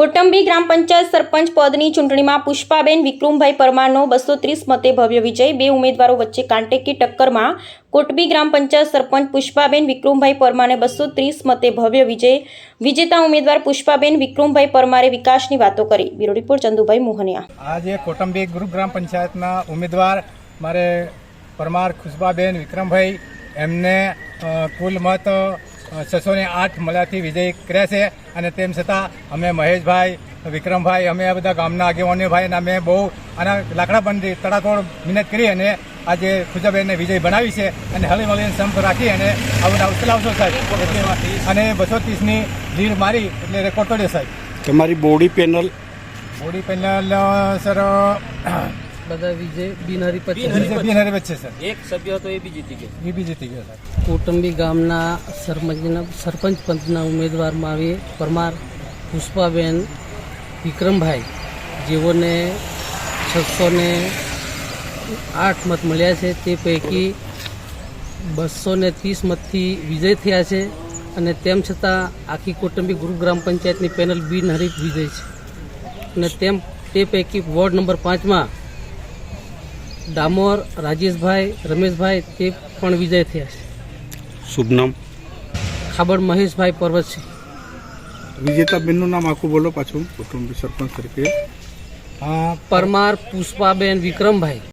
કોટંબી ગ્રામ પંચાયત સરપંચ પદની ચૂંટણીમાં પુષ્પાબેન વિક્રમભાઈ પરમારનો 230 મતે ભવ્ય વિજય। બે ઉમેદવારો વચ્ચે કાંટેકી ટક્કરમાં કોટંબી ગ્રામ પંચાયત સરપંચ પુષ્પાબેન વિક્રમભાઈ પરમારને 230 મતે ભવ્ય વિજય। વિજેતા ઉમેદવાર પુષ્પાબેન વિક્રમભાઈ પરમારે વિકાસની વાતો કરી। Bureau report Chandubhai Mohaniya. આજે કોટંબી ગ્રામ પંચાયતના ઉમેદવાર મારે પરમાર પુષ્પાબેન વિક્રમભાઈ એમને કુલ મત 608 મળ્યાથી વિજય કર્યા છે। અને તેમ છતાં અમે મહેશભાઈ વિક્રમભાઈ અમે આ બધા ગામના આગેવાનો ભાઈ અને અમે બહુ આના લાકડાબંધી તડાતોડ મહેનત કરી અને આજે પુષ્પાબેનને વિજય બનાવી છે અને હળી મળીને સંપ રાખી અને આવું ઉચલાવશો સાહેબ અને 230ની લીડ મારી એટલે રેકોર્ડ તોડ્યો સાહેબ। તમારી બોડી પેનલ સર બધા વિજય બિનહરી બિનહરી વચ્ચે સર એક સભ્ય હતો એ બી જીતી ગયો। સર કોટંબી ગામના સરપંચ પંચના ઉમેદવારમાં આવી પરમાર પુષ્પાબેન વિક્રમભાઈ જેઓને 608 મત મળ્યા છે। તે પૈકી 230 મતથી વિજય થયા છે અને તેમ છતાં આખી કોટંબી ગ્રામ પંચાયતની પેનલ બિનહરીફ વિજય છે અને તે પૈકી વોર્ડ નંબર 5માં ડામોર રાજેશભાઈ રમેશભાઈ તે પણ વિજય થયા છે। શુભ નામ? ખાબડ મહેશભાઈ પર્વતસિંહ। વિજેતા બેનનું નામ આખું બોલો પાછું, કુટુંબી સરપંચ તરીકે। પરમાર પુષ્પાબેન વિક્રમભાઈ।